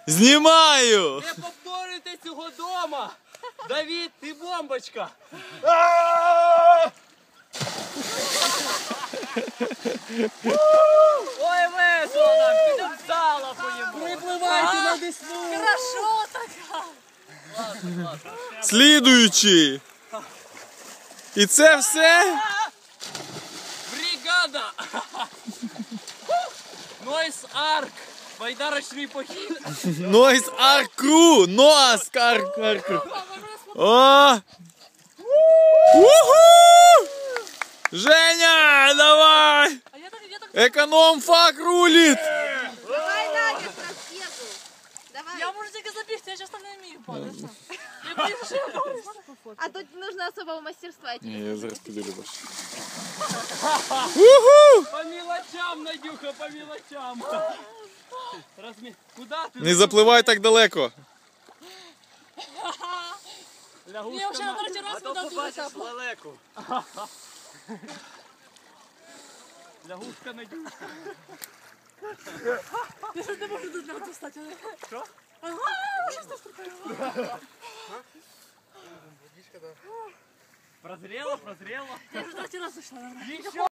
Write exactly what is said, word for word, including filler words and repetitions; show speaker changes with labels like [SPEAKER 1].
[SPEAKER 1] Знімаю!
[SPEAKER 2] Не повторюйте цього дома! Давід, ти бомбочка! Ой, весело нам! Підемо в зала поїмо! Припливайте на Десну!
[SPEAKER 3] Хорошо така!
[SPEAKER 2] Ладно, ладно.
[SPEAKER 1] Слідуючий! І це все?
[SPEAKER 2] Бригада! Нойс Арк! Байдарочний похід!
[SPEAKER 1] Нойс Аркру! Ноас Аркру! О! Уху! Женя, давай!
[SPEAKER 3] А я так, я так...
[SPEAKER 1] Економ-фак рулит!
[SPEAKER 4] Давай, Надя, трапезу. Давай.
[SPEAKER 3] Я можу тільки забігти, я часто не вмію падати. Я боюсь, що я падаю.
[SPEAKER 4] А тут нужно особого мастерства.
[SPEAKER 1] Ні, я зараз піду більше. Уху!
[SPEAKER 2] По мелочам, Надюха, по мелочам! Размі... Куда ти?
[SPEAKER 1] Не запливай так далеко.
[SPEAKER 2] Лягушка
[SPEAKER 3] Я вже на
[SPEAKER 2] на-
[SPEAKER 3] третій раз
[SPEAKER 2] А то
[SPEAKER 3] вода
[SPEAKER 2] побачиш
[SPEAKER 3] дуже
[SPEAKER 2] лелеку. Лягушка Надюшка.
[SPEAKER 3] Я ж не можу тут навіть встати.
[SPEAKER 2] Що?
[SPEAKER 3] Ага, вже став.
[SPEAKER 2] Прозрела, прозрела.
[SPEAKER 3] Я вже третій раз зайшла.
[SPEAKER 2] Еще